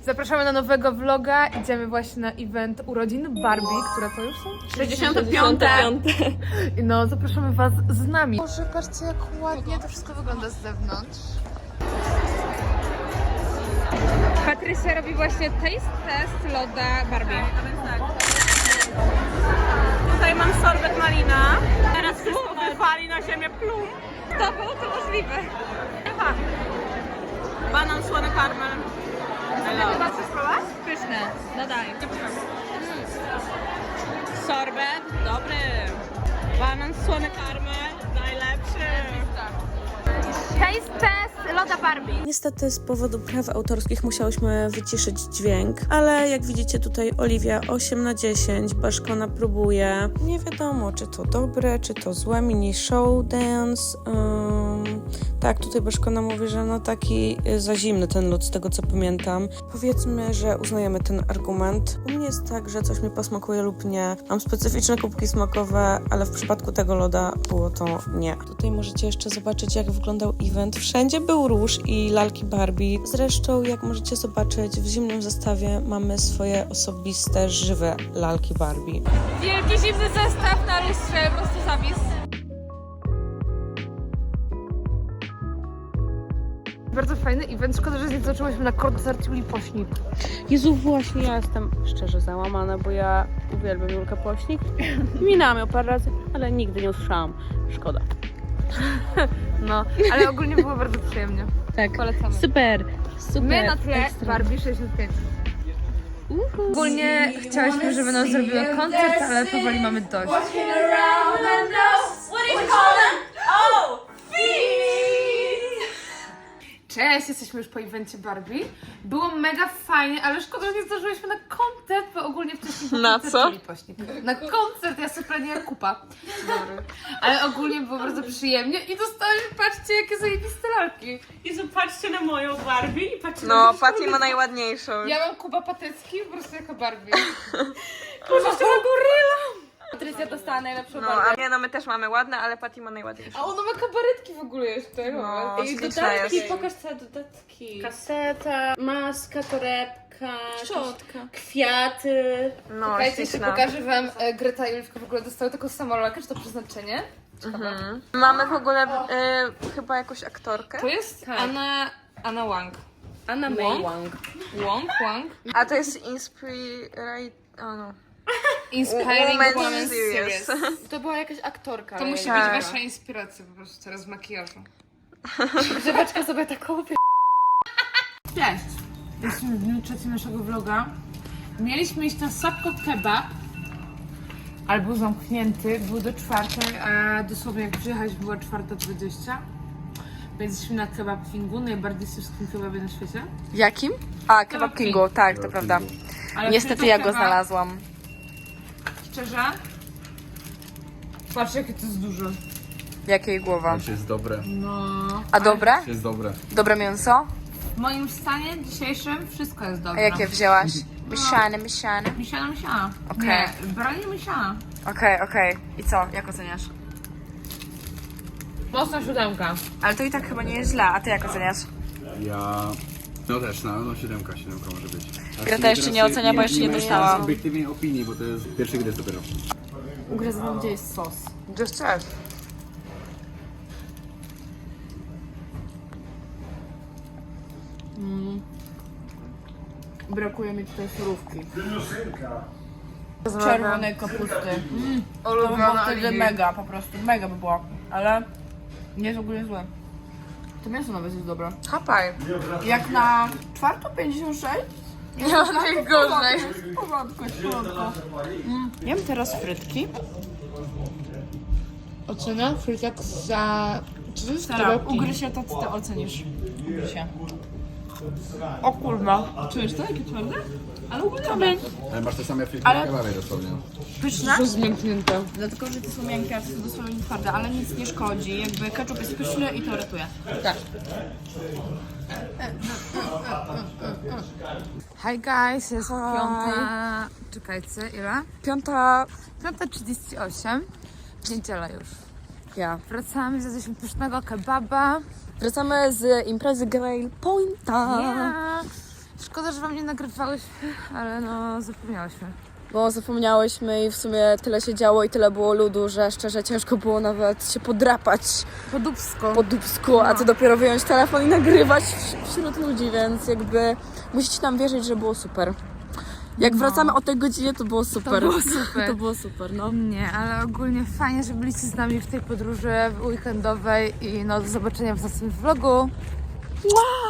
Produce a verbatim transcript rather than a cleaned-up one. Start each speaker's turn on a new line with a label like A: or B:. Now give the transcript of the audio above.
A: Zapraszamy na nowego vloga. Idziemy właśnie na event urodzin Barbie, które to już są?
B: sześćdziesiąte piąte.
A: No, zapraszamy was z nami. Boże, patrzcie jak ładnie to wszystko wygląda z zewnątrz. Patrycja robi właśnie taste test loda Barbie.
B: Tutaj mam sorbet malina. Teraz wszystko wypali na ziemię, plum.
A: To było to możliwe.
B: Aha. Banan, słony karmel.
A: Chyba chcesz spróbować?
B: Pyszne. No daj. Sorbet, dobry. Banan, słony karmel, najlepszy.
A: Taste test loda Barbie.
C: Niestety z powodu praw autorskich musiałyśmy wyciszyć dźwięk, ale jak widzicie tutaj Oliwia osiem na dziesięć, Baszkona próbuje. Nie wiadomo, czy to dobre, czy to złe, mini show dance. Um, tak, tutaj Baszkona mówi, że no taki za zimny ten lód, z tego co pamiętam. Powiedzmy, że uznajemy ten argument. U mnie jest tak, że coś mi posmakuje lub nie. Mam specyficzne kubki smakowe, ale w przypadku tego loda było to nie. Tutaj możecie jeszcze zobaczyć, jak wyglądał event. Wszędzie był róż i lalki Barbie. Zresztą, jak możecie zobaczyć, w zimnym zestawie mamy swoje osobiste, żywe lalki Barbie.
A: Wielki zimny zestaw na lustrze, po prostu zapis. Bardzo fajny event, szkoda, że nie zaczęłyśmy na koncert Julii Pośnik.
C: Jezu, właśnie ja jestem szczerze załamana, bo ja uwielbiam Julkę Pośnik. Minęłam ją parę razy, ale nigdy nie usłyszałam. Szkoda.
A: No, ale ogólnie było bardzo przyjemnie.
C: Tak.
A: Polecamy.
C: Super, super.
A: My na tle
C: ekstra.
A: Barbie sześćdziesiąt pięć. Ogólnie chciałyśmy, żeby nam zrobiły koncert, ale powoli mamy dość. Cześć, jesteśmy już po evencie Barbie. Było mega fajnie, ale szkoda, że nie zdążyłyśmy na koncert, bo ogólnie wcześniej
C: Na
A: koncert
C: co?
A: Julii Pośnik. Na koncert, ja sobie planię jak kupa. Dobry. Ale ogólnie było bardzo przyjemnie i dostałyśmy, patrzcie, jakie zajebiste lalki.
B: Jezu, patrzcie na moją Barbie i patrzcie
C: No,
B: na
C: Patty ma najładniejszą.
A: Ja mam Kuba Patecki po prostu jako Barbie.
B: Boże, jeszcze na goryla.
A: Patrycja dostała najlepszą
C: No,
A: Barbie.
C: a nie, no my też mamy ładne, ale Patty ma najładniejszą.
A: A ona ma kabaretki w ogóle jeszcze.
C: No,
A: Ej,
C: śliczna
A: dodatki,
C: jest.
A: pokaż te dodatki.
B: Kaseta, maska, torebka,
A: Szczotka.
B: kwiaty.
C: No,
A: Słuchajcie, jeszcze
C: śliczna.
A: pokażę wam, e, Greta i Juliwka w ogóle dostały taką samą lalkę, czy to przeznaczenie? Ciekawe.
C: Mhm. Mamy w ogóle y, chyba jakąś aktorkę.
A: To jest
B: Tak.
A: Anna, Anna Wang.
B: Anna
A: May
B: May
A: Wang. Wang, Wang.
C: A to jest Inspire... O no.
A: Inspiring
C: Woman
A: Woman
C: Series.
A: Series.
B: To była jakaś aktorka.
A: To musi
C: Tak.
A: być wasza inspiracja po prostu teraz w makijażu.
B: Grzebeczka sobie taką
A: Cześć! Jesteśmy w dniu trzecim naszego vloga. Mieliśmy iść na Sapko Kebab, ale był zamknięty, był do czwartej, a dosłownie jak przyjechać była czwarta dwadzieścia. Więc jesteśmy na Kebab Kingu, najbardziej syrskim kebabie na świecie.
C: Jakim? A, Kebab
A: King.
C: Kingu, tak, to prawda.
A: Ale
C: Niestety
A: tylko
C: ja go
A: kebab,
C: znalazłam.
A: Szczerze? Patrz jakie to jest duże.
C: Jakiej głowa?
D: To jest dobre.
A: No.
C: A dobre?
D: To jest dobre.
C: Dobre mięso?
A: W moim stanie dzisiejszym wszystko jest
C: A
A: dobre.
C: jakie wzięłaś? Mieszane, mieszane.
A: Misiana, misiana.
C: Okej.
A: Nie, branie misiana.
C: Okej, okej. I co? Jak oceniasz?
A: Mocna siódemka.
C: Ale to i tak chyba nie jest źle, a ty jak oceniasz?
D: Ja... No też, no, no siódemka, siódemka może być. A
C: Greta
D: sobie
C: jeszcze
D: teraz
C: nie ocenia, bo jeszcze nie
D: ma
C: dostała.
D: obiektywnej opinii, bo to jest pierwszy gry dopiero.
A: Ugryzłam, gdzie jest sos.
C: Just check.
A: Brakuje mi tutaj surówki.
B: czerwonej kapusty. To by było wtedy mega, po prostu mega by było. Ale nie jest ogólnie złe. To mięso nawet jest dobre.
C: Hapaj.
B: Jak na czwartą pięćdziesiąt sześć?
C: Nie ma najgorzej.
B: W porządku, jest w porządku. Mm. Jem teraz frytki.
A: Ocena frytek za... Czy to jest
B: Teraz ugryź się, to ty to ocenisz. Ugryź się. O kurwa. Czujesz to? Jakie twarde? Ale ogólnie dobre.
D: Ale masz te same frytki
B: Ale-
D: na kebabie dosłownie.
B: Pyszne?
A: To zmięknięte.
B: Dlatego, że te są miękkie, a te są dosłownie twarde, ale nic nie szkodzi. Jakby ketchup jest pyszny i to ratuje.
A: Tak. Hi guys, jest piąta... Czekajcie, ile?
C: Piąta...
A: Piąta trzydzieści osiem. Niedziela już.
C: Ja.
A: Wracamy, zjadliśmy pysznego kebaba.
C: Wracamy z imprezy Grail Pointa.
A: Ja. Szkoda, że wam nie nagrywałyśmy, ale no zapomniałyśmy.
B: Bo zapomniałyśmy i w sumie tyle się działo i tyle było ludu, że szczerze ciężko było nawet się podrapać
A: Po dubsko.
B: po dubsku, a co dopiero wyjąć telefon i nagrywać w- wśród ludzi, więc jakby musicie nam wierzyć, że było super. Jak
A: No.
B: wracamy o tej godzinie, to było super.
A: było super.
B: To było super, no.
A: Nie, ale ogólnie fajnie, że byliście z nami w tej podróży weekendowej i no do zobaczenia w następnym vlogu.
B: Wow!